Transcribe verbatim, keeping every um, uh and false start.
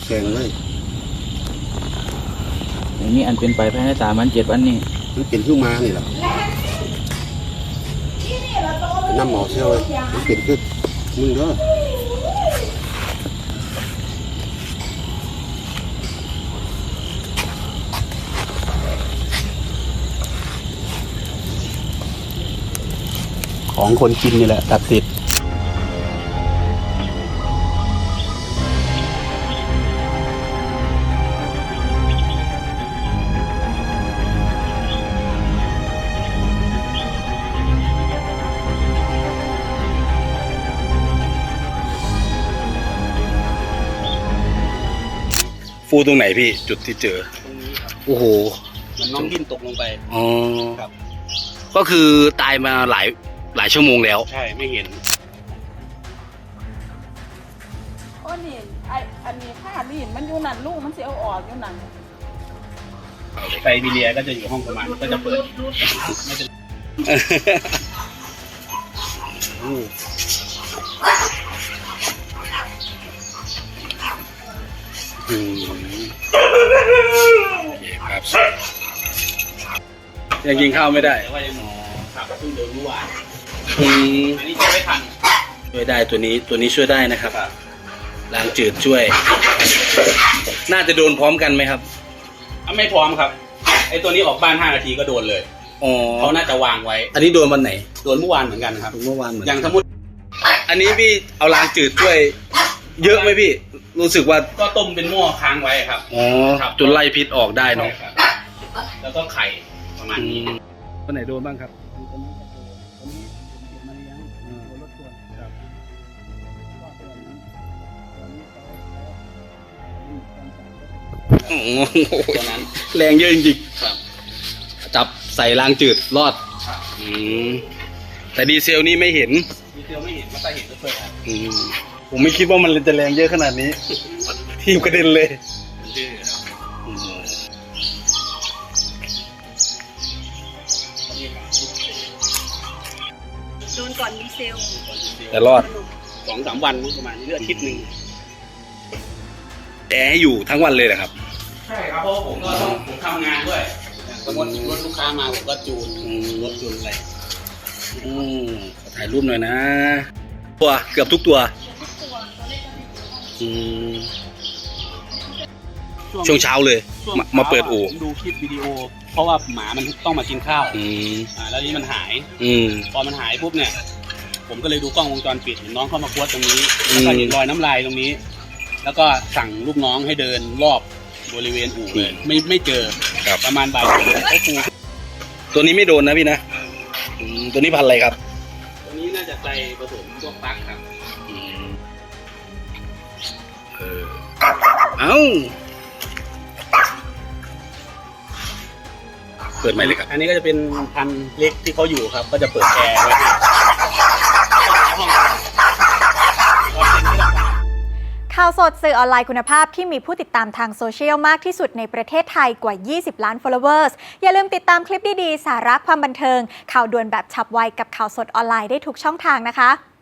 แข็งเลยอย่างนี้อันเป็นไปภายในสามวันเจ็ดวันนี่มันเป็นขึ้นมานี่แหละน้ำหมอเชี่ยวเลยมันเป็นขึ้นมึงเด้อของคนกินนี่แหละตัดสิทธิ์ฟูตรงไหนพี่จุดที่เจอตรงนี้ครับโอ้โหมันน้องดิ้นตกลงไปอ๋อครับก็คือตายมาหลายหลายชั่วโมงแล้วใช่ไม่เห็นโอ้นี่ไออันนี้ผ้าลีนมันอยู่นั่นลูกมันเสียเอาออกอยู่นั่นไซบีเรียก็จะอยู่ห้องประมาณก็จะเปิดไม่จะอืมโอเคครับยังกินข้าวไม่ได้ว่ายังหมอขับเพิ่งเดินเมื่อวานอืมอันนี้ช่วยไม่ทันช่วยได้ตัวนี้ตัวนี้ช่วยได้นะครับล้างจืดช่วยน่าจะโดนพร้อมกันไหมครับไม่พร้อมครับไอตัวนี้ออกบ้านห้านาทีก็โดนเลยอ๋อเขาน่าจะวางไว้อันนี้โดนวันไหนโดนเมื่อวานเหมือนกันครับเมื่อวานเหมือนอย่างสมมติอันนี้พี่เอาล้างจืดช่วยเยอะไหมพี่รู้สึกว่าก็ต้มเป็นหม้อค้างไว้ครับอ๋อจนไล่พิษออกได้เนาะแล้วก็ไข่ประมาณนี้ตัวไหนโดนบ้างครับโอ้โหตัวนั้นแรงเยอะจริงๆจับใส่ล้างจืดรอดอืมแต่ดีเซลนี่ไม่เห็นดีเซลไม่เห็นมันจะเห็นก็เปิดอืมผมไม่คิดว่ามันจะแรงเยอะขนาดนี้ทีมกระเด็นเลยโดนก่อนดีเซลแต่รอดสองสามวันประมาณนี้เลือดอาทิตย์หนึ่งแต่ให้อยู่ทั้งวันเลยนะครับใช่ครับเพราะผมก็ต้องผมทำงานด้วยสมมติรถลูกค้ามาผมก็จูนรถจูนอะไรอืมขอถ่ายรูปหน่อยนะตัวเกือบทุกตัวช่วงเช้าเลยมาเปิดอู่ผมดูคลิปวิดีโอเพราะว่าหมามันต้องมากินข้าวอ่าแล้วนี้มันหายพอมันหายปุ๊บเนี่ยผมก็เลยดูกล้องวงจรปิดเห็นน้องเข้ามาควดตรงนี้แล้วก็เห็นรอยน้ำลายตรงนี้แล้วก็สั่งลูกน้องให้เดินรอบบริเวณอู่เลยไม่ไม่เจอประมาณบ่ายสองเขาคูตัวนี้ไม่โดนนะพี่นะตัวนี้พันอะไรครับตัวนี้น่าจะใจผสมพวกปักครับเออเอ้าเปิดไหมเลยครับอันนี้ก็จะเป็นพันเล็กที่เขาอยู่ครับก็จะเปิดแอร์ไว้ข่าวสดสื่อออนไลน์คุณภาพที่มีผู้ติดตามทางโซเชียลมากที่สุดในประเทศไทยกว่ายี่สิบล้าน followers อย่าลืมติดตามคลิปดีๆสาระความบันเทิงข่าวด่วนแบบฉับไวกับข่าวสดออนไลน์ได้ทุกช่องทางนะคะ